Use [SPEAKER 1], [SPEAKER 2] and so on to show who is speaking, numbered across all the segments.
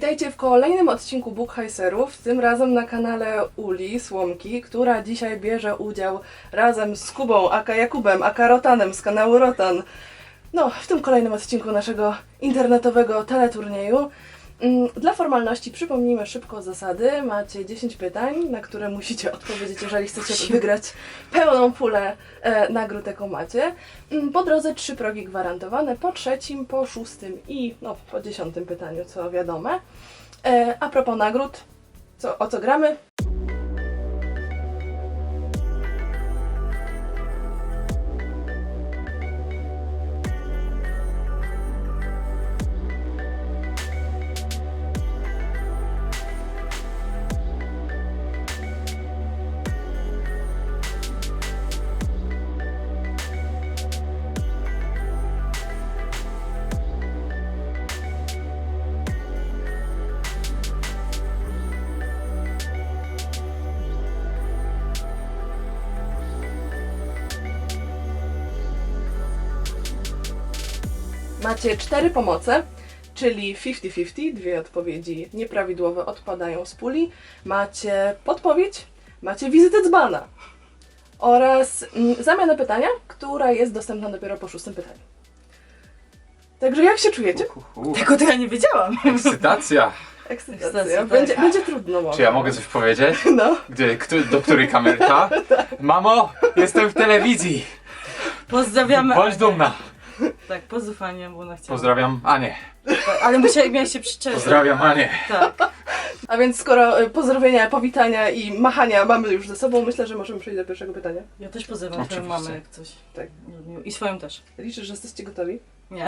[SPEAKER 1] Witajcie w kolejnym odcinku Bookheiserów, tym razem na kanale Uli Słomki, która dzisiaj bierze udział razem z Kubą, aka Jakubem, aka Rotanem z kanału Rotan. No, w tym kolejnym odcinku naszego internetowego teleturnieju. Dla formalności przypomnijmy szybko zasady. Macie 10 pytań, na które musicie odpowiedzieć, jeżeli chcecie wygrać pełną pulę nagród, jaką macie. Po drodze 3 progi gwarantowane, po trzecim, po szóstym i po 10 pytaniu, co wiadome. A propos nagród, o co gramy? Macie 4 pomoce, czyli 50-50, 2 odpowiedzi nieprawidłowe odpadają z puli. Macie podpowiedź, macie wizytę dzbana oraz zamianę pytania, która jest dostępna dopiero po 6 pytaniu. Także jak się czujecie?
[SPEAKER 2] Tego to ja nie wiedziałam.
[SPEAKER 1] Ekscytacja. Będzie trudno może.
[SPEAKER 3] Czy ja mogę coś powiedzieć?
[SPEAKER 1] No.
[SPEAKER 3] Do której kamerka? Mamo, jestem w telewizji!
[SPEAKER 2] Pozdrawiamy.
[SPEAKER 3] Bądź dumna!
[SPEAKER 2] Tak, pozdrów Anię, bo ona chciała.
[SPEAKER 3] Pozdrawiam Anię.
[SPEAKER 2] Tak, ale miałeś się przyczepić.
[SPEAKER 3] Pozdrawiam Anię.
[SPEAKER 2] Tak.
[SPEAKER 1] A więc skoro pozdrowienia, powitania i machania mamy już ze sobą, myślę, że możemy przejść do pierwszego pytania.
[SPEAKER 2] Ja też pozdrawiam twoją
[SPEAKER 3] Oczywiście.
[SPEAKER 2] mamę jak coś.
[SPEAKER 1] Tak.
[SPEAKER 2] I swoją też.
[SPEAKER 1] Liczę, że jesteście gotowi?
[SPEAKER 2] Nie.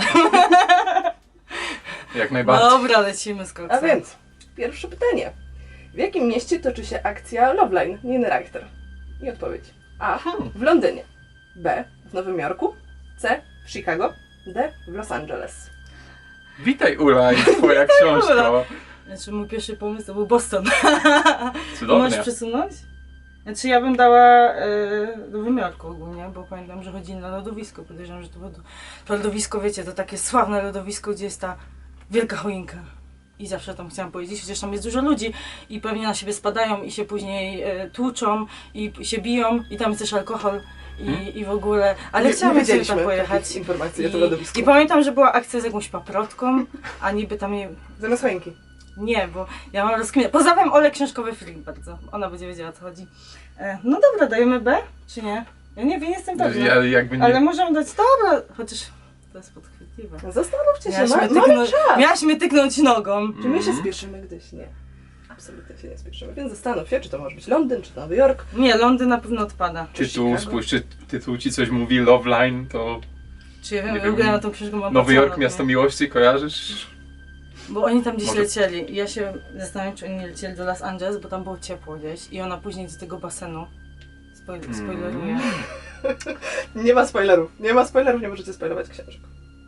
[SPEAKER 3] Jak najbardziej.
[SPEAKER 2] Dobra, lecimy z koksem.
[SPEAKER 1] A więc, pierwsze pytanie. W jakim mieście toczy się akcja Loveline Nienreichter? I odpowiedź. A. W Londynie. B. W Nowym Jorku. C. W Chicago. D. W Los Angeles.
[SPEAKER 3] Witaj Ula i twoja książka.
[SPEAKER 2] Znaczy mój pierwszy pomysł to był Boston.
[SPEAKER 3] Cudownie.
[SPEAKER 2] Możesz przesunąć? Znaczy ja bym dała do wymiarku ogólnie, bo pamiętam, że chodzili na lodowisko. Podejrzewam, że to lodowisko, wiecie, to takie sławne lodowisko, gdzie jest ta wielka choinka. I zawsze tam chciałam powiedzieć, chociaż tam jest dużo ludzi i pewnie na siebie spadają i się później tłuczą i się biją i tam jest też alkohol i w ogóle, ale chciałam sobie tam pojechać.
[SPEAKER 1] Informacje o to lodowisku.
[SPEAKER 2] I pamiętam, że była akcja z jakąś paprotką, a niby tam nie...
[SPEAKER 1] Zamiast choinki.
[SPEAKER 2] Nie, bo ja mam rozkminę. Pozdrawiam Olę Książkowy Freak bardzo. Ona będzie wiedziała, o co chodzi. No dobra, dajemy B, czy nie? Ja nie wiem, jestem pewna. Ale możemy dać dobra, chociaż to jest podchwytliwe.
[SPEAKER 1] Zastanówcie się, mamy czas.
[SPEAKER 2] Miałaś mnie tyknąć nogą.
[SPEAKER 1] Czy my się spieszymy gdzieś? Nie. Absolutnie się nie spieszymy, więc zastanów się, czy to może być Londyn, czy Nowy Jork.
[SPEAKER 2] Nie, Londyn na pewno odpada.
[SPEAKER 3] Spójrz, czy tytuł ci coś mówi, Loveline, to...
[SPEAKER 2] Czy ja wiem, w ogóle na tą książkę mam
[SPEAKER 3] Nowy Jork,
[SPEAKER 2] patrzone,
[SPEAKER 3] miasto
[SPEAKER 2] nie?
[SPEAKER 3] miłości, kojarzysz?
[SPEAKER 2] Bo oni tam gdzieś
[SPEAKER 3] Może-
[SPEAKER 2] lecieli i ja się zastanawiam, czy oni nie lecieli do Los Angeles, bo tam było ciepło gdzieś i ona później do tego basenu spoileruje.
[SPEAKER 1] Nie ma spoilerów. Nie ma spoilerów, nie możecie spoilować książek.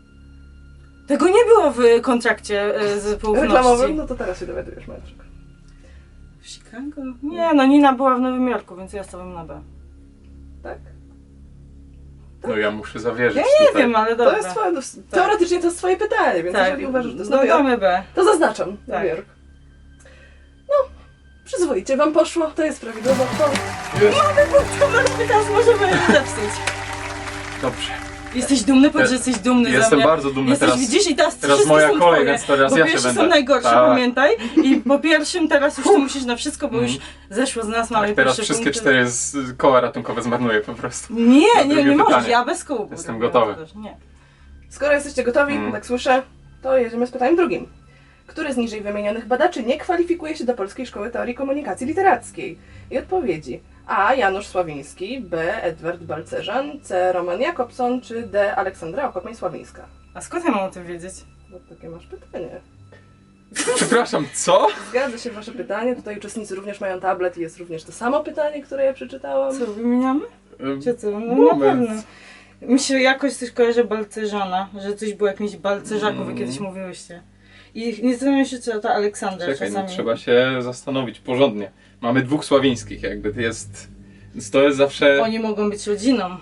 [SPEAKER 2] Tego nie było w kontrakcie z poufności.
[SPEAKER 1] Reklamowym? No to teraz się dowiadujesz, Marczek.
[SPEAKER 2] W Chicago? Nie, no Nina była w Nowym Jorku, więc ja stawiam na B.
[SPEAKER 1] Tak?
[SPEAKER 3] No ja muszę zawierzyć
[SPEAKER 2] Ja nie
[SPEAKER 3] tutaj.
[SPEAKER 2] wiem, ale
[SPEAKER 1] To
[SPEAKER 2] dobra.
[SPEAKER 1] jest twoje, teoretycznie to jest twoje pytanie, więc
[SPEAKER 2] Tak.
[SPEAKER 1] jeżeli uważasz, że to jest
[SPEAKER 2] No
[SPEAKER 1] Nowy Jork,
[SPEAKER 2] damy B.
[SPEAKER 1] to zaznaczam
[SPEAKER 2] Tak.
[SPEAKER 1] Nowy Jork. No, przyzwoicie wam poszło, to jest prawidłowa odpowiedź.
[SPEAKER 2] Teraz możemy zepsuć.
[SPEAKER 3] Dobrze.
[SPEAKER 2] Jesteś dumny? Powiedz, że jesteś dumny ze
[SPEAKER 3] Jestem
[SPEAKER 2] mnie.
[SPEAKER 3] bardzo dumny
[SPEAKER 2] Jesteś,
[SPEAKER 3] teraz.
[SPEAKER 2] widzisz, i teraz
[SPEAKER 3] Teraz
[SPEAKER 2] wszystkie
[SPEAKER 3] moja
[SPEAKER 2] są
[SPEAKER 3] kolej,
[SPEAKER 2] twoje,
[SPEAKER 3] więc teraz
[SPEAKER 2] bo
[SPEAKER 3] ja się
[SPEAKER 2] pierwsze
[SPEAKER 3] będę.
[SPEAKER 2] są najgorsze,
[SPEAKER 3] Tak.
[SPEAKER 2] pamiętaj. I po pierwszym teraz już ty musisz na wszystko, bo już zeszło z nas, mamy
[SPEAKER 3] Tak, teraz
[SPEAKER 2] pierwsze
[SPEAKER 3] wszystkie
[SPEAKER 2] punkty.
[SPEAKER 3] 4 koła ratunkowe zmarnuję po prostu.
[SPEAKER 2] Nie, nie
[SPEAKER 3] drugie
[SPEAKER 2] możesz,
[SPEAKER 3] pytanie.
[SPEAKER 2] ja bez kół.
[SPEAKER 3] Jestem gotowy.
[SPEAKER 2] Nie.
[SPEAKER 1] Skoro jesteście gotowi, tak słyszę, to jedziemy z pytaniem drugim. Który z niżej wymienionych badaczy nie kwalifikuje się do Polskiej Szkoły Teorii Komunikacji Literackiej? I odpowiedzi. A. Janusz Sławiński, B. Edward Balcerzan, C. Roman Jakobson, czy D. Aleksandra Okopeń-Sławińska?
[SPEAKER 2] A skąd ja mam o tym wiedzieć?
[SPEAKER 1] No takie masz pytanie.
[SPEAKER 3] Przepraszam, co?
[SPEAKER 1] Zgadza się wasze pytanie, tutaj uczestnicy również mają tablet i jest również to samo pytanie, które ja przeczytałam.
[SPEAKER 2] Co, wymieniamy? Czy co? No na
[SPEAKER 3] Moment.
[SPEAKER 2] pewno. Mi się jakoś coś kojarzy Balcerzana, że coś było jakimś Balcerzaków, jak kiedyś mówiłyście. I nie zastanawiam się, czy to Aleksandra
[SPEAKER 3] Czekaj, no,
[SPEAKER 2] czasami.
[SPEAKER 3] trzeba się zastanowić porządnie. Mamy 2 sławińskich, jakby to jest... Więc to jest zawsze...
[SPEAKER 2] Oni mogą być rodziną.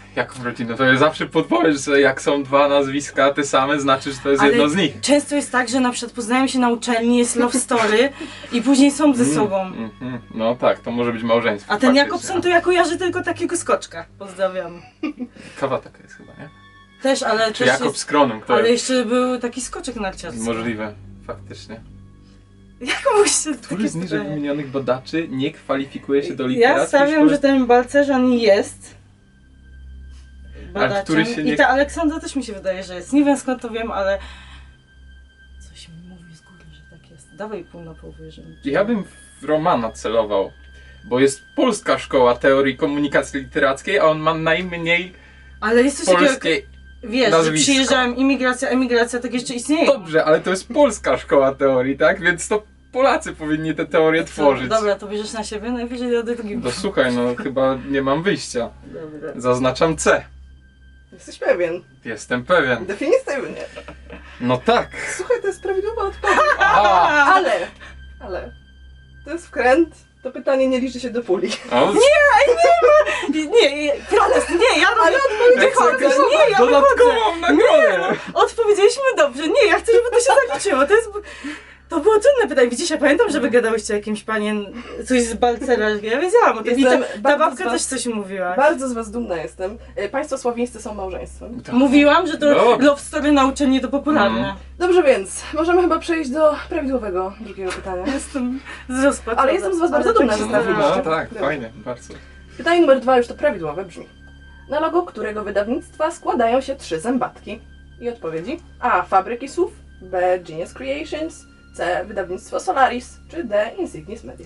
[SPEAKER 3] Jaką rodzinę? To zawsze podpowiesz, że jak są dwa nazwiska te same, znaczy, że to jest jedno z nich.
[SPEAKER 2] często jest tak, że na przykład poznają się na uczelni, jest love story i później są ze sobą.
[SPEAKER 3] No tak, to może być małżeństwo.
[SPEAKER 2] A ten
[SPEAKER 3] faktycznie.
[SPEAKER 2] Jakobson to ja kojarzę tylko takiego skoczka. Pozdrawiam.
[SPEAKER 3] Kawa taka jest chyba, nie?
[SPEAKER 2] Też, ale
[SPEAKER 3] Czy
[SPEAKER 2] też
[SPEAKER 3] Jakob
[SPEAKER 2] jest,
[SPEAKER 3] z Kronem, kto
[SPEAKER 2] ale
[SPEAKER 3] jest?
[SPEAKER 2] jeszcze był taki skoczek narciarski.
[SPEAKER 3] Możliwe, faktycznie.
[SPEAKER 2] Jak musicie
[SPEAKER 3] Który z niżej wymienionych badaczy nie kwalifikuje się do
[SPEAKER 2] Ja
[SPEAKER 3] literackiej
[SPEAKER 2] stawiam,
[SPEAKER 3] szkoły?
[SPEAKER 2] że ten Balcerzan jest badaczem.
[SPEAKER 3] który się nie-
[SPEAKER 2] I ta Aleksandra też mi się wydaje, że jest. Nie wiem skąd to wiem, ale coś mi mówi z góry, że tak jest. Dawaj pół na pół wierzymy.
[SPEAKER 3] Ja bym w Romana celował, bo jest polska szkoła teorii komunikacji literackiej, a on ma najmniej
[SPEAKER 2] Ale jest coś takiego,
[SPEAKER 3] polskiej...
[SPEAKER 2] wiesz, że
[SPEAKER 3] nazwisko.
[SPEAKER 2] przyjeżdżałem, imigracja, emigracja, tak jeszcze istnieje.
[SPEAKER 3] Dobrze, ale to jest polska szkoła teorii, tak? Więc to Polacy powinni te teorie tworzyć.
[SPEAKER 2] Dobra, to bierzesz na siebie, najwyżej do drugim.
[SPEAKER 3] No słuchaj, no chyba nie mam wyjścia.
[SPEAKER 2] Dobra.
[SPEAKER 3] Zaznaczam C.
[SPEAKER 1] Jesteś pewien.
[SPEAKER 3] Jestem pewien.
[SPEAKER 1] Definitywnie.
[SPEAKER 3] No tak.
[SPEAKER 1] Słuchaj, to jest prawidłowa odpowiedź.
[SPEAKER 3] Aha.
[SPEAKER 1] Ale. To jest wkręt. To pytanie nie liczy się do puli.
[SPEAKER 3] O,
[SPEAKER 2] Nie, protest, nie, ja
[SPEAKER 1] Ale odpowiedź
[SPEAKER 2] wychodzę,
[SPEAKER 1] jest
[SPEAKER 2] nie, ja wychodzę.
[SPEAKER 3] dodatkową nagrodę.
[SPEAKER 2] Odpowiedzieliśmy dobrze, nie, ja chcę, żeby to się zaliczyło, to było trudne pytanie. Widzisz, ja pamiętam, że wygadałyście o jakimś panien, coś z Balcera, ja wiedziałam o tym. I
[SPEAKER 1] Jestem
[SPEAKER 2] ta
[SPEAKER 1] bardzo
[SPEAKER 2] babka
[SPEAKER 1] z was-
[SPEAKER 2] też coś mówiła.
[SPEAKER 1] Bardzo z was dumna jestem. Państwo słowińscy są małżeństwem.
[SPEAKER 2] Mówiłam, że to
[SPEAKER 3] Dobrze.
[SPEAKER 2] love story na uczelni to popularne.
[SPEAKER 1] Dobrze więc, możemy chyba przejść do prawidłowego drugiego pytania.
[SPEAKER 2] Jestem zrozpaczona.
[SPEAKER 1] Ale jestem z was bardzo dumna, że
[SPEAKER 3] No,
[SPEAKER 1] trafiliście.
[SPEAKER 3] no tak,
[SPEAKER 1] Dobrze.
[SPEAKER 3] fajnie, bardzo.
[SPEAKER 1] Pytanie numer 2, już to prawidłowe, brzmi. Na logo którego wydawnictwa składają się 3 zębatki? I odpowiedzi: A. Fabryki Słów, B. Genius Creations, C. Wydawnictwo Solaris, czy D. Insignis Media.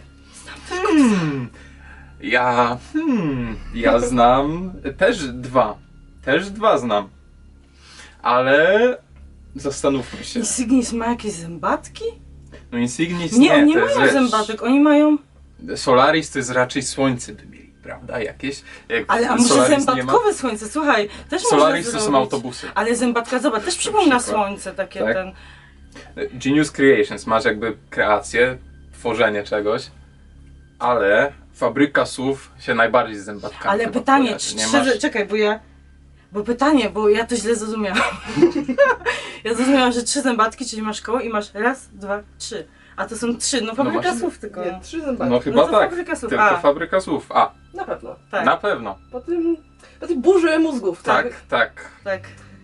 [SPEAKER 3] Ja znam też dwa znam, ale zastanówmy się.
[SPEAKER 2] Insignis ma jakieś zębatki?
[SPEAKER 3] No Insignis
[SPEAKER 2] Nie, oni nie
[SPEAKER 3] to jest
[SPEAKER 2] mają
[SPEAKER 3] rzecz.
[SPEAKER 2] zębatek, oni mają...
[SPEAKER 3] Solaris to jest raczej słońce by mieli, prawda? Jakieś. Jak
[SPEAKER 2] Ale a może
[SPEAKER 3] Solaris nie ma-
[SPEAKER 2] zębatkowe słońce, słuchaj, też
[SPEAKER 3] Solaris
[SPEAKER 2] można
[SPEAKER 3] to
[SPEAKER 2] zrobić.
[SPEAKER 3] są autobusy.
[SPEAKER 2] Ale zębatka, zobacz, też przypomina
[SPEAKER 3] przykład.
[SPEAKER 2] słońce, takie
[SPEAKER 3] Tak.
[SPEAKER 2] ten...
[SPEAKER 3] Genius Creations, masz jakby kreację, tworzenie czegoś, ale fabryka słów się najbardziej z zębatkami
[SPEAKER 2] Ale
[SPEAKER 3] chyba
[SPEAKER 2] pytanie,
[SPEAKER 3] kojarzy.
[SPEAKER 2] czy
[SPEAKER 3] Nie
[SPEAKER 2] trzy...
[SPEAKER 3] masz...
[SPEAKER 2] Czekaj, bo ja to źle zrozumiałam. Ja zrozumiałam, że 3 zębatki, czyli masz koło i masz raz, 2, 3. A to są 3, no fabryka
[SPEAKER 3] masz-
[SPEAKER 2] słów tylko.
[SPEAKER 1] Nie, 3 zębatki.
[SPEAKER 3] No chyba
[SPEAKER 2] to
[SPEAKER 3] tak,
[SPEAKER 2] fabryka słów.
[SPEAKER 3] tylko
[SPEAKER 2] A.
[SPEAKER 3] fabryka słów. A,
[SPEAKER 1] Na pewno.
[SPEAKER 2] Tak,
[SPEAKER 3] na pewno.
[SPEAKER 1] Po tej burzy mózgów, tak?
[SPEAKER 3] Tak.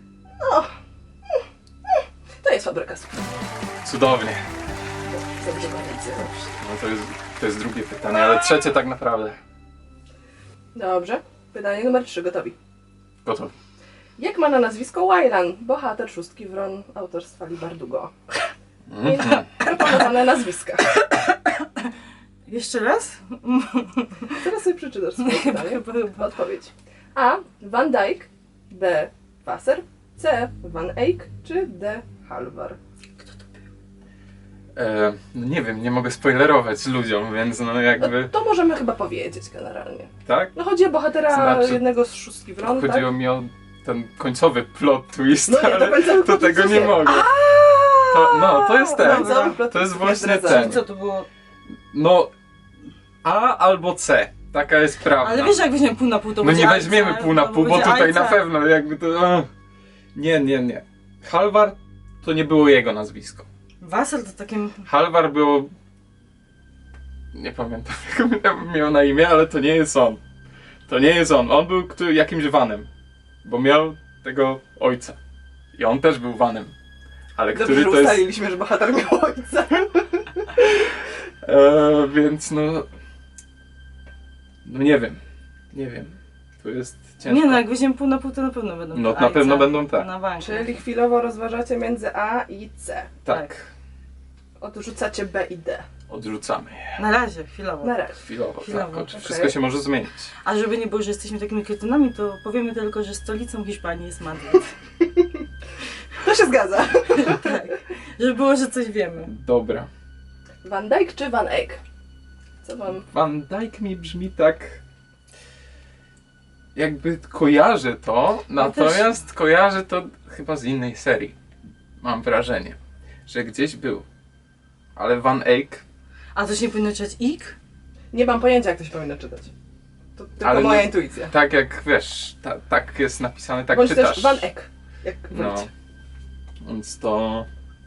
[SPEAKER 1] To jest Fabryka Słów.
[SPEAKER 3] Cudownie.
[SPEAKER 1] Zdecydowanie.
[SPEAKER 3] No to jest drugie pytanie, ale trzecie tak naprawdę.
[SPEAKER 1] Dobrze. Pytanie numer 3, gotowi.
[SPEAKER 3] Gotowy.
[SPEAKER 1] Jak ma na nazwisko Waylan, bohater Szóstki Wron autorstwa Lee Bardugo? Proponowane nazwiska.
[SPEAKER 2] Jeszcze raz?
[SPEAKER 1] Teraz sobie przeczytasz swoje pytanie.
[SPEAKER 2] Chyba.
[SPEAKER 1] Odpowiedź. A. Van Dyke, B. Wasser, C. Van Eyck, czy D. Halvar?
[SPEAKER 3] No nie wiem, nie mogę spoilerować ludziom, więc no jakby...
[SPEAKER 1] To możemy chyba powiedzieć generalnie.
[SPEAKER 3] Tak?
[SPEAKER 1] No chodzi o bohatera
[SPEAKER 3] Znaczy,
[SPEAKER 1] jednego z Szóstki Wron, tak?
[SPEAKER 3] Chodziło mi o ten końcowy plot twist,
[SPEAKER 1] No nie, to
[SPEAKER 3] ale
[SPEAKER 1] końcowy
[SPEAKER 3] to
[SPEAKER 1] plot
[SPEAKER 3] tego
[SPEAKER 1] twist
[SPEAKER 3] nie
[SPEAKER 1] nie.
[SPEAKER 3] mogę. To jest ten.
[SPEAKER 1] Końcowy plot
[SPEAKER 3] To jest
[SPEAKER 1] twist
[SPEAKER 3] właśnie
[SPEAKER 1] nie zdradzamy.
[SPEAKER 3] ten.
[SPEAKER 2] Co to było?
[SPEAKER 3] No, A albo C. Taka jest prawda.
[SPEAKER 2] Ale wiesz, jak weźmiemy pół na pół, to
[SPEAKER 3] No
[SPEAKER 2] będzie
[SPEAKER 3] nie
[SPEAKER 2] Ajca,
[SPEAKER 3] weźmiemy pół na
[SPEAKER 2] to
[SPEAKER 3] pół, bo
[SPEAKER 2] będzie
[SPEAKER 3] tutaj
[SPEAKER 2] Ajca.
[SPEAKER 3] na pewno jakby to... Nie. Halvar to nie było jego nazwisko.
[SPEAKER 2] Wasser to takim...
[SPEAKER 3] Halvar było... Nie pamiętam jak miał na imię, ale to nie jest on. To nie jest on. On był jakimś Vanem. Bo miał tego ojca. I on też był Vanem. Ale
[SPEAKER 1] Dobrze,
[SPEAKER 3] który
[SPEAKER 1] że
[SPEAKER 3] to jest...
[SPEAKER 1] ustaliliśmy, że bohater miał ojca.
[SPEAKER 3] Więc no... No nie wiem. To jest ciężko.
[SPEAKER 2] Nie no, jak weźmiemy pół na pół, to na pewno będą
[SPEAKER 3] No,
[SPEAKER 2] Ajca.
[SPEAKER 3] na pewno będą tak.
[SPEAKER 2] Na bank.
[SPEAKER 1] Czyli chwilowo rozważacie między A i C.
[SPEAKER 3] Tak.
[SPEAKER 1] Odrzucacie B i D.
[SPEAKER 3] Odrzucamy je.
[SPEAKER 2] Na razie, chwilowo.
[SPEAKER 1] Na razie.
[SPEAKER 3] Chwilowo,
[SPEAKER 2] Chwilowo,
[SPEAKER 3] tak.
[SPEAKER 1] okej.
[SPEAKER 3] Wszystko się może zmienić.
[SPEAKER 2] A żeby nie było, że jesteśmy takimi kretynami, to powiemy tylko, że stolicą Hiszpanii jest Madryt.
[SPEAKER 1] To się zgadza.
[SPEAKER 2] Tak. Żeby było, że coś wiemy.
[SPEAKER 3] Dobra.
[SPEAKER 1] Van Dyke czy Van Eyck? Co wam...
[SPEAKER 3] Van Dyke mi brzmi tak... Jakby kojarzę to, natomiast kojarzę to chyba z innej serii. Mam wrażenie, że gdzieś był. Ale Van Eyck...
[SPEAKER 2] A to się nie powinno czytać ik?
[SPEAKER 1] Nie mam pojęcia, jak to się powinno czytać. To Tylko
[SPEAKER 3] Ale
[SPEAKER 1] moja
[SPEAKER 3] nie-
[SPEAKER 1] intuicja.
[SPEAKER 3] Tak jak wiesz, tak jest napisane, tak
[SPEAKER 1] Bądź
[SPEAKER 3] czytasz.
[SPEAKER 1] też Van Eck, jak
[SPEAKER 3] No.
[SPEAKER 1] wolicie.
[SPEAKER 3] Więc to...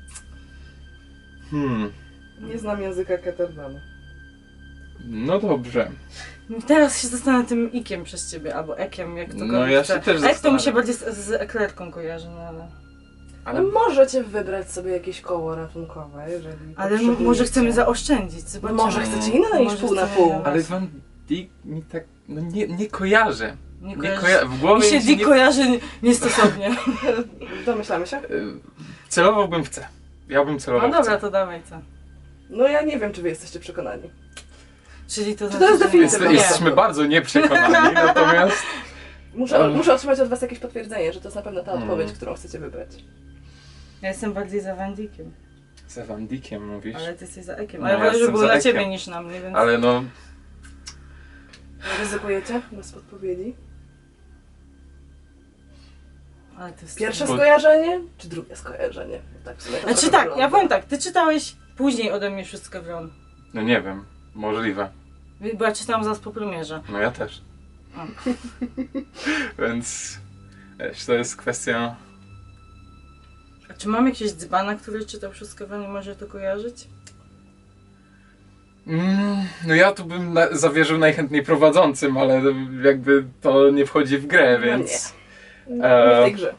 [SPEAKER 1] Nie znam języka Ketterdama.
[SPEAKER 3] No dobrze.
[SPEAKER 2] Teraz się zastanawiam tym ikiem przez ciebie, albo ekiem, jak to
[SPEAKER 3] No,
[SPEAKER 2] go
[SPEAKER 3] ja się też
[SPEAKER 2] Ek to mi się
[SPEAKER 3] zastanawiam.
[SPEAKER 2] bardziej z eklerką kojarzy, no ale...
[SPEAKER 3] Ale
[SPEAKER 1] No możecie wybrać sobie jakieś koło ratunkowe, jeżeli
[SPEAKER 2] Ale
[SPEAKER 1] potrzebujecie.
[SPEAKER 2] może chcemy zaoszczędzić, zobaczymy.
[SPEAKER 1] Może chcecie inne niż
[SPEAKER 2] Może
[SPEAKER 1] pół na
[SPEAKER 2] chcemy
[SPEAKER 1] pół.
[SPEAKER 2] inne.
[SPEAKER 3] Ale Van Dijk mi tak... No nie kojarzę.
[SPEAKER 2] Nie
[SPEAKER 3] Nie
[SPEAKER 2] kojarzy.
[SPEAKER 3] w głowie
[SPEAKER 2] Mi się
[SPEAKER 3] mi się
[SPEAKER 2] Dick
[SPEAKER 3] nie...
[SPEAKER 2] kojarzy niestosownie.
[SPEAKER 1] Domyślamy się?
[SPEAKER 3] Celowałbym w C. Ja bym
[SPEAKER 2] No
[SPEAKER 3] celował w
[SPEAKER 2] dobra,
[SPEAKER 3] C.
[SPEAKER 2] to dawaj co.
[SPEAKER 1] No ja nie wiem, czy wy jesteście przekonani.
[SPEAKER 2] Czyli to
[SPEAKER 1] To
[SPEAKER 2] znaczy,
[SPEAKER 1] jest
[SPEAKER 2] że
[SPEAKER 1] definitywne.
[SPEAKER 2] nie.
[SPEAKER 3] Jesteśmy bardzo nieprzekonani, natomiast...
[SPEAKER 1] Muszę otrzymać od was jakieś potwierdzenie, że to jest na pewno ta odpowiedź, którą chcecie wybrać.
[SPEAKER 2] Ja jestem bardziej za Van Dickiem,
[SPEAKER 3] Za Van Dijkiem mówisz?
[SPEAKER 2] ale ty jesteś za Ekiem.
[SPEAKER 3] No,
[SPEAKER 2] A ja
[SPEAKER 3] ja
[SPEAKER 2] wolę, żeby
[SPEAKER 3] jestem
[SPEAKER 2] było
[SPEAKER 3] za
[SPEAKER 2] dla
[SPEAKER 3] Ekiem.
[SPEAKER 2] ciebie niż na mnie, więc...
[SPEAKER 3] Ale no...
[SPEAKER 1] Ryzykujecie bez podpowiedzi?
[SPEAKER 2] Ale to jest...
[SPEAKER 1] Pierwsze
[SPEAKER 3] Bo-
[SPEAKER 1] skojarzenie, czy drugie skojarzenie? Bo tak w sumie to
[SPEAKER 2] Znaczy
[SPEAKER 1] trochę
[SPEAKER 2] tak, ja
[SPEAKER 1] wygląda.
[SPEAKER 2] powiem tak, ty czytałeś później ode mnie Szóstkę Wron.
[SPEAKER 3] No nie wiem. Możliwe.
[SPEAKER 2] Bo ja czytałam zaraz po premierze.
[SPEAKER 3] No ja też.
[SPEAKER 2] O.
[SPEAKER 3] Więc... Wiesz, to jest kwestia...
[SPEAKER 2] A czy mam jakiegoś dzbana, który czytał Szóstkę Wron i może to kojarzyć?
[SPEAKER 3] No ja tu bym zawierzył najchętniej prowadzącym, ale jakby to nie wchodzi w grę,
[SPEAKER 1] No
[SPEAKER 3] więc...
[SPEAKER 1] Nie w tej grze.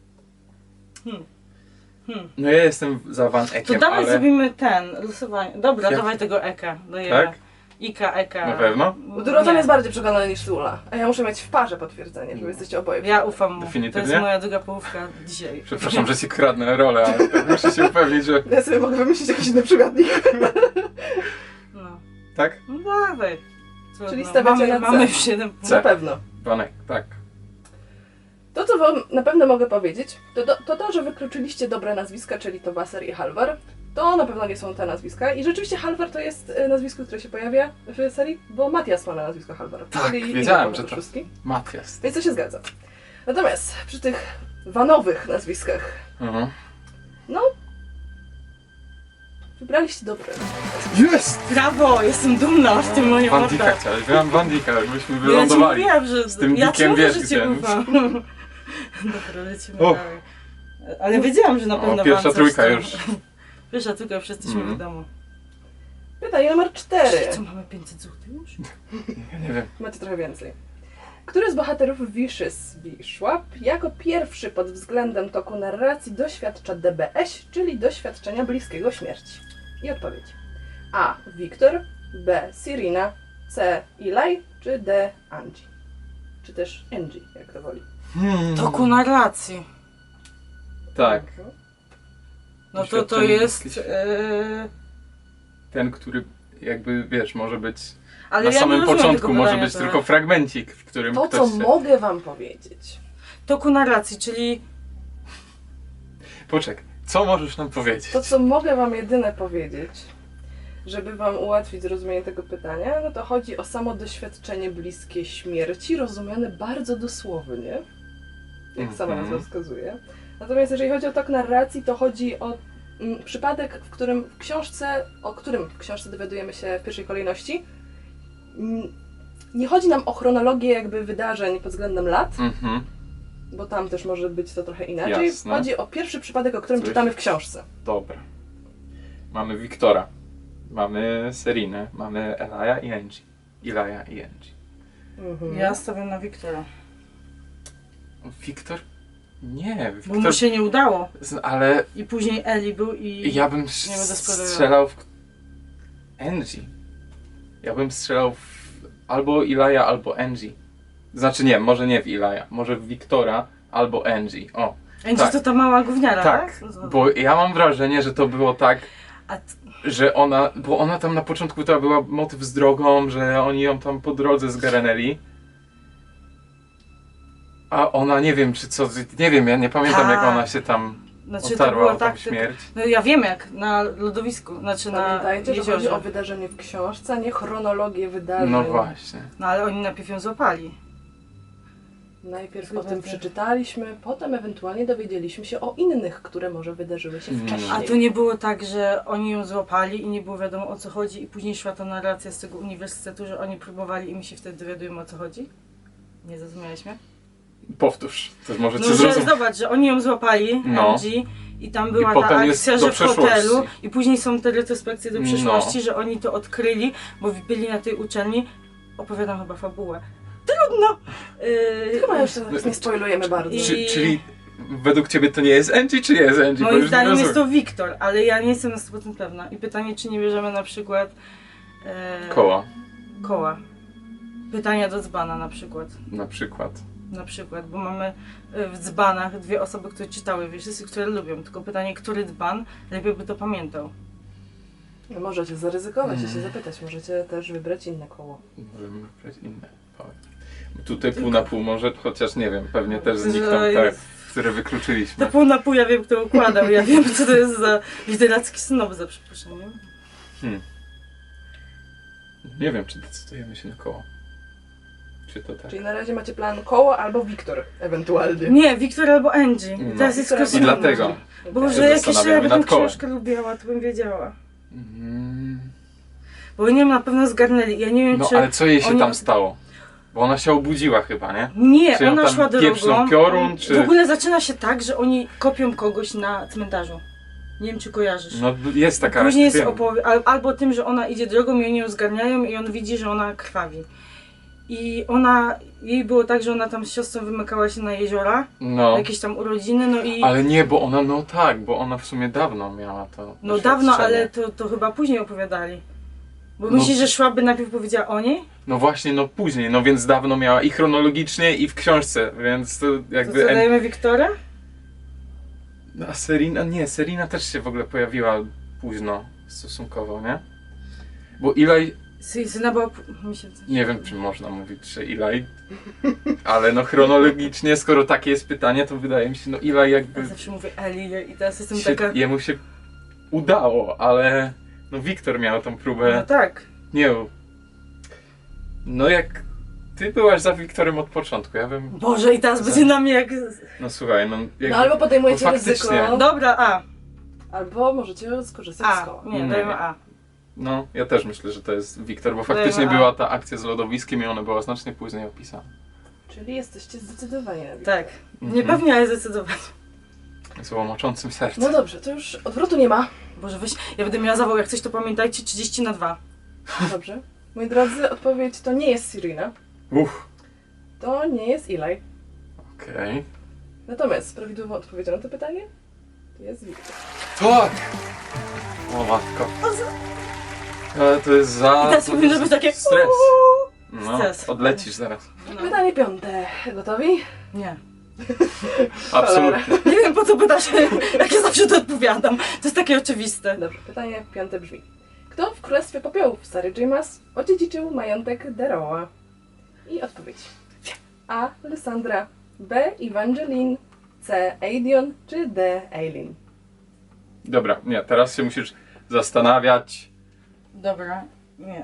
[SPEAKER 3] No ja jestem za Van
[SPEAKER 2] To
[SPEAKER 3] Eckiem,
[SPEAKER 2] dawaj
[SPEAKER 3] ale...
[SPEAKER 2] zrobimy losowanie. Dobra,
[SPEAKER 3] Jak?
[SPEAKER 2] dawaj tego Eka. Daję
[SPEAKER 3] Tak?
[SPEAKER 2] Ika, Eka.
[SPEAKER 3] Na pewno?
[SPEAKER 1] Bo Dorotan
[SPEAKER 2] Nie.
[SPEAKER 1] jest bardziej przekonany niż Lula. A ja muszę mieć w parze potwierdzenie, że wy jesteście oboje.
[SPEAKER 2] Ja ufam mu. To
[SPEAKER 3] Definitywnie?
[SPEAKER 2] jest moja druga połówka dzisiaj.
[SPEAKER 3] Przepraszam, że ci kradnę rolę, ale tak muszę się upewnić, że...
[SPEAKER 1] Ja sobie mogę wymyślić jakiś inny przymiotnik.
[SPEAKER 2] No,
[SPEAKER 3] Tak?
[SPEAKER 2] no dawaj. Trudno.
[SPEAKER 1] Czyli stawiacie na C.
[SPEAKER 2] Mamy już 7 punktów.
[SPEAKER 1] Na pewno.
[SPEAKER 3] Van Eck, tak.
[SPEAKER 1] To, co wam na pewno mogę powiedzieć, to, że wykluczyliście dobre nazwiska, czyli to Wasser i Halvar. To na pewno nie są te nazwiska. I rzeczywiście Halvar to jest nazwisko, które się pojawia w serii, bo Matias ma na nazwisko Halvar.
[SPEAKER 3] Tak,
[SPEAKER 1] czyli
[SPEAKER 3] wiedziałem,
[SPEAKER 1] inny
[SPEAKER 3] że to-
[SPEAKER 1] szóstki.
[SPEAKER 3] Matias.
[SPEAKER 1] Więc to się zgadza. Natomiast przy tych wanowych nazwiskach,
[SPEAKER 3] Mhm.
[SPEAKER 1] wybraliście dobre.
[SPEAKER 3] Jest!
[SPEAKER 2] Brawo, jestem dumna z tym moim
[SPEAKER 3] Van Dijk'a chciałeś, byłam Van Dijk'a, byśmy
[SPEAKER 2] Ja ci
[SPEAKER 3] wylądowali.
[SPEAKER 2] mówiłam, że
[SPEAKER 3] Z tym
[SPEAKER 2] ja ci
[SPEAKER 3] Dickiem
[SPEAKER 2] mówię, że
[SPEAKER 3] wiesz,
[SPEAKER 2] cię
[SPEAKER 3] gdzie.
[SPEAKER 2] ufam. Dobra, lecimy
[SPEAKER 3] Och.
[SPEAKER 2] dalej. Ale wiedziałam, że na
[SPEAKER 3] O,
[SPEAKER 2] pewno
[SPEAKER 3] pierwsza
[SPEAKER 2] wam coś
[SPEAKER 3] trójka
[SPEAKER 2] tam-
[SPEAKER 3] już.
[SPEAKER 2] Pierwsza trójka, wszyscy jesteśmy
[SPEAKER 3] Mhm.
[SPEAKER 2] w domu.
[SPEAKER 1] Pytanie numer 4.
[SPEAKER 2] Co, mamy 500 zł już?
[SPEAKER 3] Ja nie wiem.
[SPEAKER 1] Macie trochę więcej. Który z bohaterów Vicious Bishop jako pierwszy pod względem toku narracji doświadcza DBS, czyli doświadczenia bliskiego śmierci? I odpowiedź. A. Wiktor, B. Sirina, C. Eli, czy D. Angie? Czy też Angie, jak to woli.
[SPEAKER 2] Toku narracji.
[SPEAKER 3] Tak.
[SPEAKER 2] No to
[SPEAKER 3] Doświadczenie
[SPEAKER 2] jest...
[SPEAKER 3] bliskie Ten, który jakby, wiesz, może być...
[SPEAKER 2] ale
[SPEAKER 3] Na
[SPEAKER 2] ja
[SPEAKER 3] samym
[SPEAKER 2] nie rozumiem
[SPEAKER 3] początku
[SPEAKER 2] tego
[SPEAKER 3] może
[SPEAKER 2] pytania
[SPEAKER 3] być
[SPEAKER 2] teraz.
[SPEAKER 3] tylko fragmencik, w którym
[SPEAKER 1] To,
[SPEAKER 3] ktoś
[SPEAKER 1] co
[SPEAKER 3] się...
[SPEAKER 1] mogę wam powiedzieć.
[SPEAKER 2] Toku narracji, czyli...
[SPEAKER 3] Poczekaj, co możesz nam powiedzieć?
[SPEAKER 1] To, co mogę wam jedyne powiedzieć, żeby wam ułatwić zrozumienie tego pytania, no to chodzi o samo doświadczenie bliskie śmierci, rozumiane bardzo dosłownie, jak sama
[SPEAKER 3] Mhm.
[SPEAKER 1] nazwa wskazuje. Natomiast jeżeli chodzi o tok narracji, to chodzi o przypadek, o którym w książce dowiadujemy się w pierwszej kolejności. Nie chodzi nam o chronologię jakby wydarzeń pod względem lat,
[SPEAKER 3] Mhm.
[SPEAKER 1] bo tam też może być to trochę inaczej.
[SPEAKER 3] Jasne.
[SPEAKER 1] Chodzi o pierwszy przypadek, o którym
[SPEAKER 3] Coś-
[SPEAKER 1] czytamy w książce.
[SPEAKER 3] Dobra. Mamy Wiktora, mamy Serinę, mamy Elaja i Angie. Ilaja i Angie.
[SPEAKER 1] Mhm.
[SPEAKER 2] Ja stawiam na Wiktora.
[SPEAKER 3] Wiktor? Nie,
[SPEAKER 2] Bo
[SPEAKER 3] Wiktor...
[SPEAKER 2] mu się nie udało.
[SPEAKER 3] Ale
[SPEAKER 2] I później Eli był i...
[SPEAKER 3] ja bym
[SPEAKER 2] Nie będę spoilerował.
[SPEAKER 3] strzelał w... Angie. Ja bym strzelał w... albo Ilaja, albo Angie. Znaczy nie, może nie w Ilaja, może w Wiktora albo Angie. O,
[SPEAKER 2] Angie
[SPEAKER 3] tak.
[SPEAKER 2] to ta mała gówniara,
[SPEAKER 3] tak,
[SPEAKER 2] tak?
[SPEAKER 3] bo ja mam wrażenie, że to było tak,
[SPEAKER 2] A
[SPEAKER 3] że ona, bo ona tam na początku to była motyw z drogą, że oni ją tam po drodze zgarnęli. A ona nie wiem, czy co, nie wiem, ja nie pamiętam jak
[SPEAKER 2] Tak.
[SPEAKER 3] ona się tam
[SPEAKER 2] znaczy to
[SPEAKER 3] otarła
[SPEAKER 2] było
[SPEAKER 3] o tą
[SPEAKER 2] tak...
[SPEAKER 3] śmierć.
[SPEAKER 2] No ja wiem jak, na lodowisku, znaczy na
[SPEAKER 1] Pamiętajcie, że chodzi
[SPEAKER 2] jeziorze.
[SPEAKER 1] o wydarzenie w książce, a nie chronologię wydarzeń.
[SPEAKER 3] No właśnie.
[SPEAKER 2] No ale oni najpierw ją złapali.
[SPEAKER 1] Najpierw o tym przeczytaliśmy, potem ewentualnie dowiedzieliśmy się o innych, które może wydarzyły się wcześniej.
[SPEAKER 2] A to nie było tak, że oni ją złapali i nie było wiadomo o co chodzi i później szła ta narracja z tego uniwersytetu, że oni próbowali i my się wtedy dowiadujemy o co chodzi? Nie zrozumiałeś mnie?
[SPEAKER 3] Powtórz, to może
[SPEAKER 2] No,
[SPEAKER 3] cię
[SPEAKER 2] że
[SPEAKER 3] zrozum...
[SPEAKER 2] zobacz, że oni ją złapali,
[SPEAKER 3] No.
[SPEAKER 2] MG, i tam była
[SPEAKER 3] I
[SPEAKER 2] ta
[SPEAKER 3] potem jest
[SPEAKER 2] akcja,
[SPEAKER 3] do
[SPEAKER 2] że w hotelu
[SPEAKER 3] przeszłości.
[SPEAKER 2] i później są te retrospekcje do
[SPEAKER 3] No.
[SPEAKER 2] przeszłości, że oni to odkryli, bo byli na tej uczelni. Opowiadam chyba fabułę. Trudno!
[SPEAKER 1] Chyba jeszcze teraz nie spoilujemy bardzo.
[SPEAKER 3] Czyli według ciebie to nie jest Angie, czy jest Angie? Bo
[SPEAKER 2] Moim
[SPEAKER 3] już nie
[SPEAKER 2] zdaniem jest
[SPEAKER 3] rozumiem.
[SPEAKER 2] to Wiktor, ale ja nie jestem na 100% pewna. I pytanie, czy nie bierzemy na przykład
[SPEAKER 3] Koła,
[SPEAKER 2] koła. Pytania do dzbana na przykład.
[SPEAKER 3] na przykład.
[SPEAKER 2] Na przykład, bo mamy w dzbanach dwie osoby, które czytały wiersy, które lubią. Tylko pytanie, który dzban lepiej by to pamiętał.
[SPEAKER 1] No, możecie zaryzykować i się zapytać, możecie też wybrać inne koło.
[SPEAKER 3] Możemy wybrać inne. Tutaj pół na pół może, chociaż nie wiem, pewnie też znikną
[SPEAKER 2] Że
[SPEAKER 3] te,
[SPEAKER 2] jest-
[SPEAKER 3] które wykluczyliśmy.
[SPEAKER 2] To pół na pół ja wiem, kto układał. Ja wiem, co to jest za literacki snob, za przeproszeniem.
[SPEAKER 3] Nie wiem, czy decydujemy się na koło. Czy to tak?
[SPEAKER 1] Czyli na razie macie plan koło albo Wiktor ewentualnie.
[SPEAKER 2] Nie, Wiktor albo Angie.
[SPEAKER 3] No.
[SPEAKER 2] Teraz jest
[SPEAKER 1] I
[SPEAKER 3] I
[SPEAKER 2] kosmos.
[SPEAKER 3] dlatego.
[SPEAKER 2] Boże,
[SPEAKER 3] się
[SPEAKER 2] jakieś ja
[SPEAKER 3] zastanawiamy
[SPEAKER 2] bym tą
[SPEAKER 3] nad kołem.
[SPEAKER 2] książkę lubiła, to bym wiedziała.
[SPEAKER 3] Mm.
[SPEAKER 2] Bo nie wiem, na pewno zgarnęli. Ja nie wiem,
[SPEAKER 3] No
[SPEAKER 2] czy...
[SPEAKER 3] ale co jej się
[SPEAKER 2] oni-
[SPEAKER 3] tam stało? Bo ona się obudziła chyba, nie?
[SPEAKER 2] Nie,
[SPEAKER 3] Czy ją
[SPEAKER 2] ona
[SPEAKER 3] tam
[SPEAKER 2] szła
[SPEAKER 3] pieprznął
[SPEAKER 2] drogą.
[SPEAKER 3] piorun, czy...
[SPEAKER 2] W ogóle zaczyna się tak, że oni kopią kogoś na cmentarzu. Nie wiem, czy kojarzysz.
[SPEAKER 3] No jest taka...
[SPEAKER 2] Później jest
[SPEAKER 3] wiem.
[SPEAKER 2] albo tym, że ona idzie drogą i oni ją zgarniają i on widzi, że ona krwawi. I jej było tak, że ona tam z siostrą wymykała się na jeziora,
[SPEAKER 3] No.
[SPEAKER 2] jakieś tam urodziny, no i...
[SPEAKER 3] Ale nie, bo ona, no tak, bo ona w sumie dawno miała to
[SPEAKER 2] No dawno,
[SPEAKER 3] doświadczenie.
[SPEAKER 2] ale to chyba później opowiadali. Bo
[SPEAKER 3] No.
[SPEAKER 2] myślisz, że szłaby najpierw powiedziała o niej?
[SPEAKER 3] No właśnie, no później, no więc dawno miała i chronologicznie, i w książce, więc to
[SPEAKER 2] To
[SPEAKER 3] jakby...
[SPEAKER 2] co, dajemy Wiktora?
[SPEAKER 3] No, a Serena, nie, Serena też się w ogóle pojawiła późno stosunkowo, nie? Bo Eli,
[SPEAKER 2] Syna była... Mi się...
[SPEAKER 3] nie wiem czy można mówić, że Eli, ale no chronologicznie, skoro takie jest pytanie, to wydaje mi się, no Eli jakby
[SPEAKER 2] Ja zawsze mówię Eli i teraz jestem
[SPEAKER 3] się,
[SPEAKER 2] taka...
[SPEAKER 3] jemu się udało, ale no Wiktor miał tą próbę,
[SPEAKER 2] No tak.
[SPEAKER 3] nie, no jak ty byłaś za Wiktorem od początku, ja bym,
[SPEAKER 2] Boże, i teraz będzie na mnie jak...
[SPEAKER 3] no słuchaj, no jakby,
[SPEAKER 1] No albo podejmujecie
[SPEAKER 3] no faktycznie.
[SPEAKER 1] ryzyko,
[SPEAKER 2] Dobra, A.
[SPEAKER 1] albo możecie skorzystać z
[SPEAKER 2] A.
[SPEAKER 1] koła.
[SPEAKER 2] Nie,
[SPEAKER 3] Nie.
[SPEAKER 2] dajmy A.
[SPEAKER 3] No, ja też myślę, że to jest Wiktor, bo faktycznie
[SPEAKER 2] Dajmy A.
[SPEAKER 3] była ta akcja z lodowiskiem i ona była znacznie później opisana.
[SPEAKER 1] Czyli jesteście zdecydowani na Wiktora.
[SPEAKER 2] Tak. Niepewnie, ale zdecydowanie.
[SPEAKER 3] Z łomoczącym sercem.
[SPEAKER 1] No dobrze, to już odwrotu nie ma.
[SPEAKER 2] Boże, weź, ja będę miała zawał, jak coś to pamiętajcie, 30/2.
[SPEAKER 1] Dobrze. Moi drodzy, odpowiedź to nie jest Serena. To nie jest Eli.
[SPEAKER 3] Okej.
[SPEAKER 1] Natomiast prawidłową odpowiedzią na to pytanie to jest Wiktor.
[SPEAKER 3] Tak! O matko. Ale to jest za...
[SPEAKER 2] I teraz powinno być takie...
[SPEAKER 3] Stres. No,
[SPEAKER 2] Stres.
[SPEAKER 3] odlecisz zaraz.
[SPEAKER 2] No.
[SPEAKER 1] Pytanie piąte. Gotowi?
[SPEAKER 2] Nie.
[SPEAKER 3] Absolutnie.
[SPEAKER 2] Nie wiem, po co pytasz, jak ja zawsze to odpowiadam. To jest takie oczywiste.
[SPEAKER 1] Dobrze, pytanie piąte brzmi. Kto w Królestwie Popiołów Sary Jamas odziedziczył majątek Darrowa? I odpowiedź. A. Lysandra, B. Evangeline, C. Aidion czy D. Aileen?
[SPEAKER 3] Dobra, nie, teraz się musisz zastanawiać,
[SPEAKER 2] Dobra. Nie.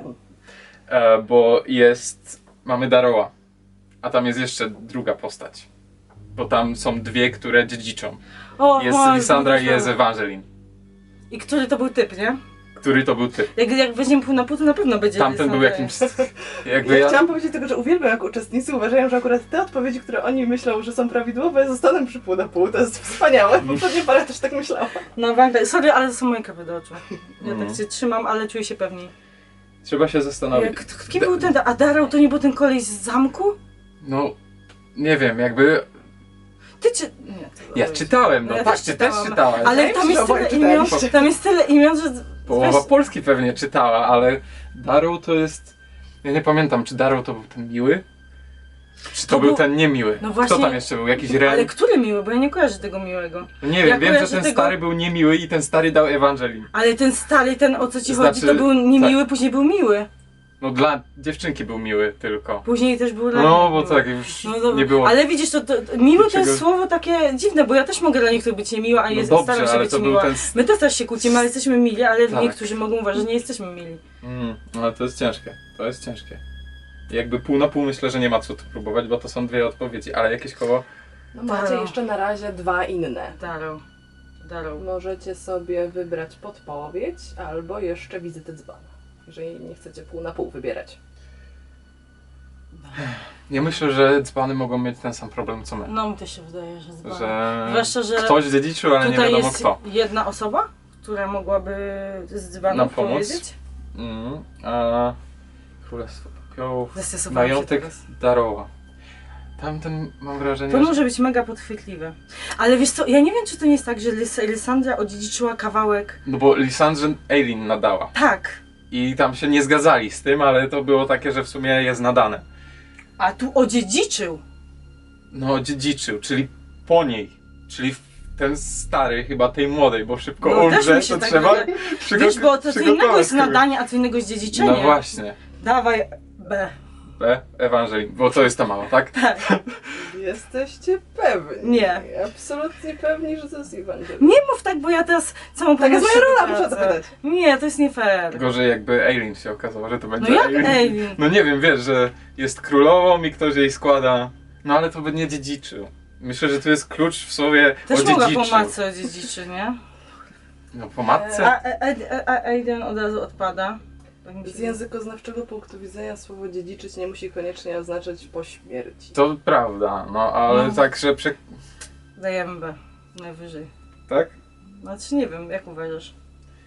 [SPEAKER 3] bo jest... Mamy Darrowa, a tam jest jeszcze druga postać. Bo tam są dwie, które dziedziczą.
[SPEAKER 2] O,
[SPEAKER 3] Jest
[SPEAKER 2] o,
[SPEAKER 3] Lysandra i jest
[SPEAKER 2] zauważyłam.
[SPEAKER 3] Evangeline.
[SPEAKER 2] I który to był typ, nie?
[SPEAKER 3] Który to był ty?
[SPEAKER 2] Jak weźmiemy pół na pół, to na pewno będzie
[SPEAKER 3] Tamten był
[SPEAKER 2] Lysandra.
[SPEAKER 3] jakimś... Jakby
[SPEAKER 1] Ja chciałam powiedzieć tylko, że uwielbiam jak uczestnicy uważają, że akurat te odpowiedzi, które oni myślą, że są prawidłowe, zostaną przy pół na pół. To jest wspaniałe. Poprzednie parę też tak myślała.
[SPEAKER 2] No pamiętaj, sorry, ale to są moje kawy do oczu. Ja
[SPEAKER 3] Mhm.
[SPEAKER 2] tak się trzymam, ale czuję się pewniej.
[SPEAKER 3] Trzeba się zastanowić.
[SPEAKER 2] Kim był ten... A Darrow to nie był ten koleś z zamku?
[SPEAKER 3] No, nie wiem, jakby...
[SPEAKER 2] Ty czy... Nie.
[SPEAKER 3] Ja czytałem, no
[SPEAKER 2] Ja
[SPEAKER 3] tak,
[SPEAKER 2] też
[SPEAKER 3] ty też
[SPEAKER 2] czytałam.
[SPEAKER 3] czytałeś.
[SPEAKER 2] Ale
[SPEAKER 1] Wydaje mi
[SPEAKER 2] tam
[SPEAKER 1] się, że
[SPEAKER 2] jest
[SPEAKER 1] oboje
[SPEAKER 2] tyle imion,
[SPEAKER 1] czytaliście.
[SPEAKER 2] tam jest tyle imion, że...
[SPEAKER 3] Połowa
[SPEAKER 2] weź-
[SPEAKER 3] Polski pewnie czytała, ale Darrow to jest... Ja nie pamiętam, czy Darrow to był ten miły? Czy to
[SPEAKER 2] To
[SPEAKER 3] był
[SPEAKER 2] był-
[SPEAKER 3] ten niemiły?
[SPEAKER 2] No właśnie-
[SPEAKER 3] Kto tam jeszcze był? Jakiś
[SPEAKER 2] Ale
[SPEAKER 3] Ren?
[SPEAKER 2] który miły, bo ja nie kojarzę tego miłego.
[SPEAKER 3] No nie
[SPEAKER 2] ja
[SPEAKER 3] wiem, wiem, że
[SPEAKER 2] kojarzę
[SPEAKER 3] ten
[SPEAKER 2] tego-
[SPEAKER 3] stary był niemiły i ten stary dał Evangeline.
[SPEAKER 2] Ale ten stary, ten o co ci
[SPEAKER 3] Znaczy,
[SPEAKER 2] chodzi, to był niemiły, później był miły.
[SPEAKER 3] No dla dziewczynki był miły tylko.
[SPEAKER 2] Później też był dla
[SPEAKER 3] No, bo
[SPEAKER 2] miły.
[SPEAKER 3] tak już
[SPEAKER 2] No dobra.
[SPEAKER 3] nie było...
[SPEAKER 2] Ale widzisz, to miły to
[SPEAKER 3] Dlaczego?
[SPEAKER 2] jest słowo takie dziwne, bo ja też mogę dla niektórych być niemiła, a
[SPEAKER 3] No
[SPEAKER 2] jest,
[SPEAKER 3] dobrze,
[SPEAKER 2] staram się
[SPEAKER 3] ale
[SPEAKER 2] być
[SPEAKER 3] to był
[SPEAKER 2] miła.
[SPEAKER 3] ten...
[SPEAKER 2] My też się kłócimy, ale jesteśmy mili, ale
[SPEAKER 3] Tak.
[SPEAKER 2] niektórzy mogą uważać, że nie jesteśmy mili.
[SPEAKER 3] No ale to jest ciężkie, to jest ciężkie. Jakby pół na pół myślę, że nie ma co tu próbować, bo to są dwie odpowiedzi, ale jakieś koło...
[SPEAKER 1] No macie jeszcze na razie dwa inne.
[SPEAKER 2] Darrow.
[SPEAKER 1] Możecie sobie wybrać podpowiedź albo jeszcze wizytę dzbana. Jeżeli nie chcecie pół na pół wybierać.
[SPEAKER 3] Ja myślę, że dzbany mogą mieć ten sam problem co my.
[SPEAKER 2] No mi też się wydaje, że dzban.
[SPEAKER 3] Że
[SPEAKER 2] Zwłaszcza, że
[SPEAKER 3] ktoś dziedziczył, ale nie
[SPEAKER 2] tutaj
[SPEAKER 3] wiadomo
[SPEAKER 2] jest
[SPEAKER 3] kto.
[SPEAKER 2] jedna osoba, która mogłaby z dzbanem
[SPEAKER 3] Nam pomóc?
[SPEAKER 2] powiedzieć.
[SPEAKER 3] A Królestwo Popiołów,
[SPEAKER 2] Zestresowałam się
[SPEAKER 3] majątek
[SPEAKER 2] teraz.
[SPEAKER 3] Darrowa. Tamten mam wrażenie,
[SPEAKER 2] To
[SPEAKER 3] że...
[SPEAKER 2] może być mega podchwytliwe. Ale wiesz co, ja nie wiem, czy to nie jest tak, że Lysandra odziedziczyła kawałek.
[SPEAKER 3] No bo Lisandrze Eileen nadała.
[SPEAKER 2] Tak,
[SPEAKER 3] I tam się nie zgadzali z tym, ale to było takie, że w sumie jest nadane.
[SPEAKER 2] a tu odziedziczył.
[SPEAKER 3] No dziedziczył, czyli po niej. Czyli ten stary chyba tej młodej, bo szybko
[SPEAKER 2] No, też
[SPEAKER 3] umrze,
[SPEAKER 2] mi się
[SPEAKER 3] to
[SPEAKER 2] tak
[SPEAKER 3] trzeba
[SPEAKER 2] wydaje. Wiesz, bo to co innego jest nadanie, a co innego jest dziedziczenie.
[SPEAKER 3] No właśnie.
[SPEAKER 2] Dawaj B.
[SPEAKER 3] B. Ewangelin, bo to jest ta mała, tak?
[SPEAKER 2] Tak.
[SPEAKER 1] Jesteście pewni?
[SPEAKER 2] Nie.
[SPEAKER 1] Absolutnie pewni, że to jest Ewangelina.
[SPEAKER 2] Nie mów tak, bo ja teraz całą
[SPEAKER 1] Tak jest
[SPEAKER 2] pewność
[SPEAKER 1] moja rola,
[SPEAKER 2] tracę.
[SPEAKER 1] muszę zapytać.
[SPEAKER 2] Nie, to jest nie fair.
[SPEAKER 3] Gorzej jakby Eileen się okazało, że to będzie
[SPEAKER 2] No jak
[SPEAKER 3] Eileen.
[SPEAKER 2] Eileen?
[SPEAKER 3] No nie wiem, wiesz, że jest królową i ktoś jej składa. No ale to by nie dziedziczył. Myślę, że tu jest klucz w słowie
[SPEAKER 2] Też mogła
[SPEAKER 3] odziedziczył.
[SPEAKER 2] po matce odziedziczy, nie?
[SPEAKER 3] No po matce?
[SPEAKER 2] A Aiden od razu odpada. Tak mi się
[SPEAKER 1] Z językoznawczego punktu widzenia słowo dziedziczyć nie musi koniecznie oznaczać po śmierci.
[SPEAKER 3] To prawda, no ale
[SPEAKER 2] No.
[SPEAKER 3] tak, że
[SPEAKER 2] Dajemy B. Najwyżej.
[SPEAKER 3] tak?
[SPEAKER 2] Znaczy nie wiem, jak uważasz?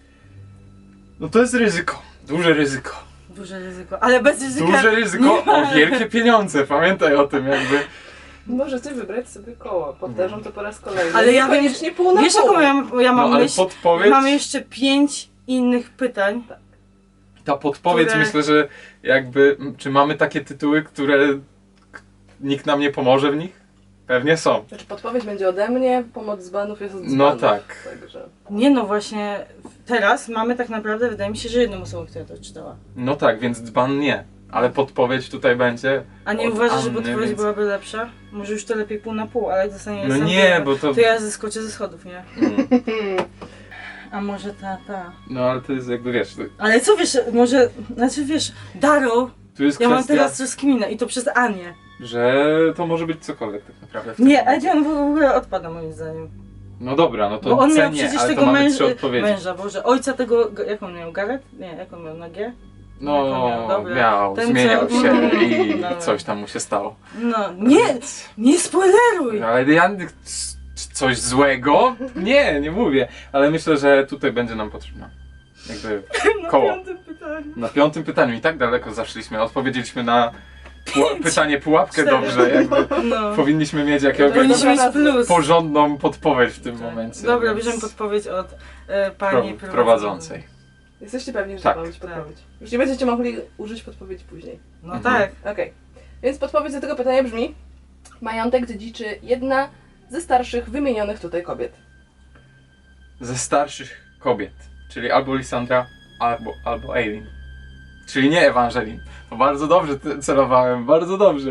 [SPEAKER 3] No to jest ryzyko. Duże ryzyko.
[SPEAKER 2] Duże ryzyko. Ale bez ryzyka.
[SPEAKER 3] Duże ryzyko
[SPEAKER 2] nie ma.
[SPEAKER 3] o wielkie pieniądze. Pamiętaj o tym jakby.
[SPEAKER 1] Możecie wybrać sobie koło. Powtarzam to po raz kolejny.
[SPEAKER 2] Ale ja wiem,
[SPEAKER 1] koniecznie pół na
[SPEAKER 2] Wiesz
[SPEAKER 1] pół.
[SPEAKER 2] jaką ja
[SPEAKER 3] No
[SPEAKER 2] mam
[SPEAKER 3] ale
[SPEAKER 2] myśl?
[SPEAKER 3] podpowiedź,
[SPEAKER 2] Mamy jeszcze 5 innych pytań.
[SPEAKER 3] ta podpowiedź
[SPEAKER 2] które-
[SPEAKER 3] myślę, że jakby, czy mamy takie tytuły, które nikt nam nie pomoże w nich? Pewnie są.
[SPEAKER 1] Znaczy podpowiedź będzie ode mnie, pomoc z banów jest od dzbanów.
[SPEAKER 3] No tak.
[SPEAKER 1] Także...
[SPEAKER 2] Nie no właśnie, teraz mamy tak naprawdę, wydaje mi się, że jedną osobę, która to czytała.
[SPEAKER 3] No tak, więc dzban nie. Ale podpowiedź tutaj będzie.
[SPEAKER 2] A nie
[SPEAKER 3] Od
[SPEAKER 2] uważasz, że
[SPEAKER 3] Anny,
[SPEAKER 2] podpowiedź
[SPEAKER 3] więc-
[SPEAKER 2] byłaby lepsza? Może już to lepiej pół na pół, ale jak dostanie
[SPEAKER 3] No
[SPEAKER 2] sam
[SPEAKER 3] nie,
[SPEAKER 2] to-
[SPEAKER 3] bo to...
[SPEAKER 2] To ja zeskoczę ze schodów, nie?
[SPEAKER 3] Mm.
[SPEAKER 2] A może ta.
[SPEAKER 3] No ale to jest jakby, wiesz,
[SPEAKER 2] Ale co wiesz, może, znaczy wiesz, Darrow,
[SPEAKER 3] tu jest
[SPEAKER 2] ja mam
[SPEAKER 3] kwestia,
[SPEAKER 2] teraz rozkminę i to przez Anię.
[SPEAKER 3] że to może być cokolwiek tak naprawdę w tym
[SPEAKER 2] Nie,
[SPEAKER 3] momencie.
[SPEAKER 2] Edion w ogóle odpada moim zdaniem.
[SPEAKER 3] No dobra, no to
[SPEAKER 2] Bo on miał
[SPEAKER 3] cenię,
[SPEAKER 2] przecież
[SPEAKER 3] ale
[SPEAKER 2] tego
[SPEAKER 3] to mamy trzy odpowiedzi.
[SPEAKER 2] męża, Boże, ojca tego, jak on miał, Gareth? Nie, jak on miał, na G?
[SPEAKER 3] No,
[SPEAKER 2] Dobra.
[SPEAKER 3] miał,
[SPEAKER 2] Ten,
[SPEAKER 3] zmieniał
[SPEAKER 2] co-
[SPEAKER 3] się i
[SPEAKER 2] Dobra.
[SPEAKER 3] coś tam mu się stało.
[SPEAKER 2] No, nie spoileruj!
[SPEAKER 3] Ale ja coś złego? Nie mówię. Ale myślę, że tutaj będzie nam potrzebna. Jakby
[SPEAKER 2] Na
[SPEAKER 3] koło.
[SPEAKER 2] 5. pytaniu.
[SPEAKER 3] Na 5. pytaniu i tak daleko zaszliśmy. Odpowiedzieliśmy na pytanie pułapkę
[SPEAKER 2] 4.
[SPEAKER 3] dobrze. Jakby
[SPEAKER 2] No.
[SPEAKER 3] powinniśmy mieć jakiegoś
[SPEAKER 2] Powinniśmy mieć plus.
[SPEAKER 3] porządną podpowiedź w tym
[SPEAKER 2] Tak.
[SPEAKER 3] momencie.
[SPEAKER 2] Dobra,
[SPEAKER 3] więc
[SPEAKER 2] bierzemy podpowiedź od pani
[SPEAKER 3] prowadzącej.
[SPEAKER 1] Jesteście pewni, że
[SPEAKER 3] Tak.
[SPEAKER 1] to ma być podpowiedź. Już nie będziecie mogli użyć podpowiedzi później.
[SPEAKER 2] No
[SPEAKER 3] Mhm.
[SPEAKER 2] tak.
[SPEAKER 1] Okej. Więc podpowiedź do tego pytania brzmi: majątek dziedziczy jedna ze starszych wymienionych tutaj kobiet.
[SPEAKER 3] Ze starszych kobiet. Czyli albo Lisandra, albo Eileen. Czyli nie Ewangelin. To bardzo dobrze celowałem, bardzo dobrze.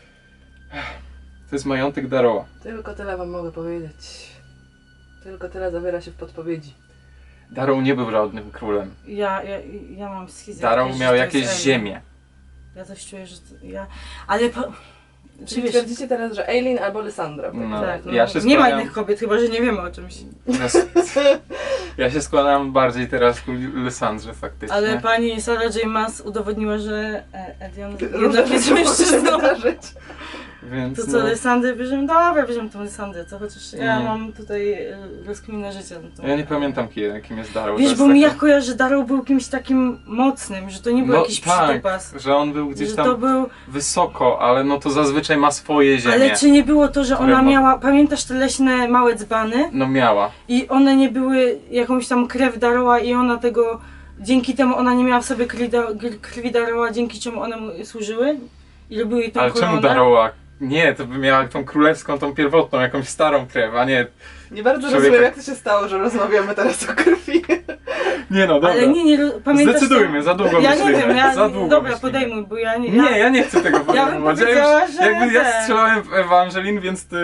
[SPEAKER 3] To jest majątek Darrowa.
[SPEAKER 1] Tylko tyle wam mogę powiedzieć. Tylko tyle zawiera się w podpowiedzi.
[SPEAKER 3] Darrow nie był żadnym królem.
[SPEAKER 2] Ja mam schizę.
[SPEAKER 3] Darrow miał jakieś ziemie.
[SPEAKER 2] Ja coś czuję, że ja... Ale po...
[SPEAKER 1] Czyli
[SPEAKER 2] wiesz,
[SPEAKER 1] twierdzicie teraz, że Eileen albo Lysandra.
[SPEAKER 3] No.
[SPEAKER 2] tak, no,
[SPEAKER 3] Ja się
[SPEAKER 2] nie ma
[SPEAKER 3] składam-
[SPEAKER 2] innych kobiet, chyba że nie wiemy o czymś.
[SPEAKER 3] Ja się składam bardziej teraz ku Lysandrze faktycznie.
[SPEAKER 2] Ale pani Sarah J. Maas udowodniła, że Edion
[SPEAKER 1] Różne
[SPEAKER 2] jednak jest
[SPEAKER 1] rzeczy mogą się
[SPEAKER 2] mężczyzną.
[SPEAKER 1] wydarzyć.
[SPEAKER 3] Więc
[SPEAKER 2] To co,
[SPEAKER 3] no,
[SPEAKER 2] Lysandrę bierzemy? Dobra, bierzemy tą Lysandrę, co chociaż ja
[SPEAKER 3] Nie.
[SPEAKER 2] mam tutaj rozkminę życia. No to...
[SPEAKER 3] ja nie pamiętam kim jest Darrow. To
[SPEAKER 2] Wiesz,
[SPEAKER 3] jest
[SPEAKER 2] bo mi
[SPEAKER 3] taki-
[SPEAKER 2] ja kojarzę, że Darrow był kimś takim mocnym, że to nie był jakiś przytupas.
[SPEAKER 3] że on był gdzieś
[SPEAKER 2] Że
[SPEAKER 3] tam
[SPEAKER 2] to był...
[SPEAKER 3] wysoko, ale no to zazwyczaj ma swoje ziemie.
[SPEAKER 2] Ale czy nie było to, że
[SPEAKER 3] które
[SPEAKER 2] ona
[SPEAKER 3] ma-
[SPEAKER 2] miała, pamiętasz te leśne małe dzbany?
[SPEAKER 3] No miała.
[SPEAKER 2] I one nie były jakąś tam krew Darrowa i ona tego, dzięki temu ona nie miała w sobie krwi Darrowa, dzięki czemu one mu służyły? I robiły jej tą
[SPEAKER 3] Ale
[SPEAKER 2] koronę?
[SPEAKER 3] czemu Darrowa? Nie, to by miała tą królewską, tą pierwotną, jakąś starą krew, a nie...
[SPEAKER 1] Nie bardzo
[SPEAKER 3] Człowieka-
[SPEAKER 1] rozumiem, jak to się stało, że rozmawiamy teraz o krwi.
[SPEAKER 3] Nie no, dobra.
[SPEAKER 2] Ale nie, pamiętasz
[SPEAKER 3] Zdecydujmy,
[SPEAKER 2] to?
[SPEAKER 3] za długo
[SPEAKER 2] Ja
[SPEAKER 3] myślimy.
[SPEAKER 2] nie wiem,
[SPEAKER 3] za długo
[SPEAKER 2] dobra,
[SPEAKER 3] myślimy.
[SPEAKER 2] podejmuj, bo ja nie...
[SPEAKER 3] Nie, ja nie chcę tego
[SPEAKER 2] Ja bym
[SPEAKER 3] podejmować.
[SPEAKER 2] powiedziała,
[SPEAKER 3] już,
[SPEAKER 2] że
[SPEAKER 3] jakby ja
[SPEAKER 2] ten.
[SPEAKER 3] strzelałem w Ewangelin, więc ty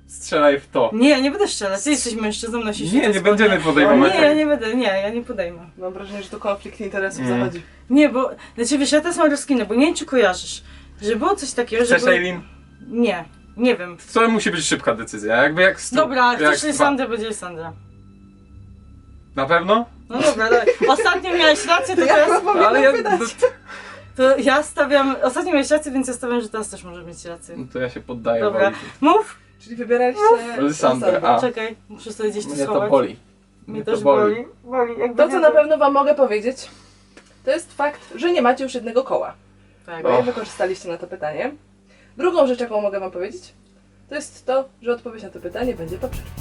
[SPEAKER 3] Strzelaj w to.
[SPEAKER 2] Nie, ja nie będę strzelać. Ty jesteś mężczyzną, nosisz
[SPEAKER 3] Nie,
[SPEAKER 2] te
[SPEAKER 3] nie
[SPEAKER 2] spodnie.
[SPEAKER 3] będziemy podejmować.
[SPEAKER 2] Nie, ja nie będę, nie, ja nie podejmę.
[SPEAKER 1] Mam wrażenie, że tu konflikt interesów
[SPEAKER 3] Mm.
[SPEAKER 1] zachodzi.
[SPEAKER 2] Nie, bo, znaczy wiesz, ja teraz mam rozkminę, bo nie wiem, czy kojarzysz, że było coś takiego, że
[SPEAKER 3] Cześć,
[SPEAKER 2] były...
[SPEAKER 3] Eileen.
[SPEAKER 2] Nie wiem.
[SPEAKER 3] To musi być szybka decyzja, jakby jak stu.
[SPEAKER 2] Dobra,
[SPEAKER 3] jak
[SPEAKER 2] chcesz
[SPEAKER 3] dwa.
[SPEAKER 2] Lysandra, będzie Lysandra.
[SPEAKER 3] Na pewno?
[SPEAKER 2] No dobra, dawaj. Ostatnio miałeś rację, to teraz...
[SPEAKER 3] Ale ja...
[SPEAKER 2] To ja stawiam... Ostatnio miałeś rację, więc ja stawiam, że teraz też możesz mieć rację.
[SPEAKER 3] No to ja się poddaję.
[SPEAKER 2] Dobra.
[SPEAKER 3] Woli.
[SPEAKER 2] Mów!
[SPEAKER 1] Czyli wybieraliście
[SPEAKER 3] Lysandrę, a.
[SPEAKER 2] Czekaj, muszę sobie gdzieś to
[SPEAKER 3] Mnie to
[SPEAKER 2] schować.
[SPEAKER 3] boli.
[SPEAKER 2] Mnie też boli. Boli, jakby
[SPEAKER 1] To, co na pewno wam mogę powiedzieć, to jest fakt, że nie macie już jednego koła.
[SPEAKER 2] Tak.
[SPEAKER 1] Bo nie wykorzystaliście na to pytanie. Drugą rzecz, jaką mogę wam powiedzieć, to jest to, że odpowiedź na to pytanie będzie po przerwie.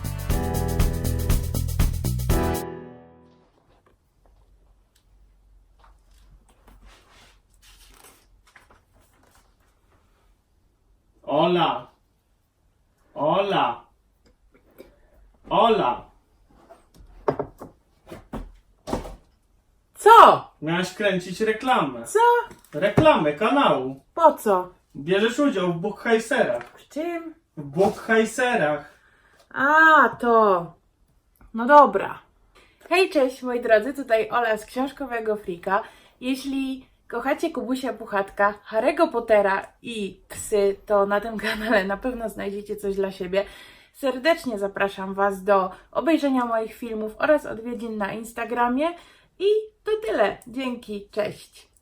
[SPEAKER 4] Ola! Ola! Ola!
[SPEAKER 5] Co?
[SPEAKER 4] Miałaś kręcić reklamę.
[SPEAKER 5] Co?
[SPEAKER 4] Reklamę kanału.
[SPEAKER 5] Po co?
[SPEAKER 4] Bierzesz udział w Bookheiserach.
[SPEAKER 5] W czym?
[SPEAKER 4] W Bookheiserach.
[SPEAKER 5] A, to. No dobra. Hej, cześć moi drodzy, tutaj Ola z Książkowego Frika. Jeśli kochacie Kubusia Puchatka, Harry'ego Pottera i psy, to na tym kanale na pewno znajdziecie coś dla siebie. Serdecznie zapraszam Was do obejrzenia moich filmów oraz odwiedzin na Instagramie. I to tyle. Dzięki, cześć.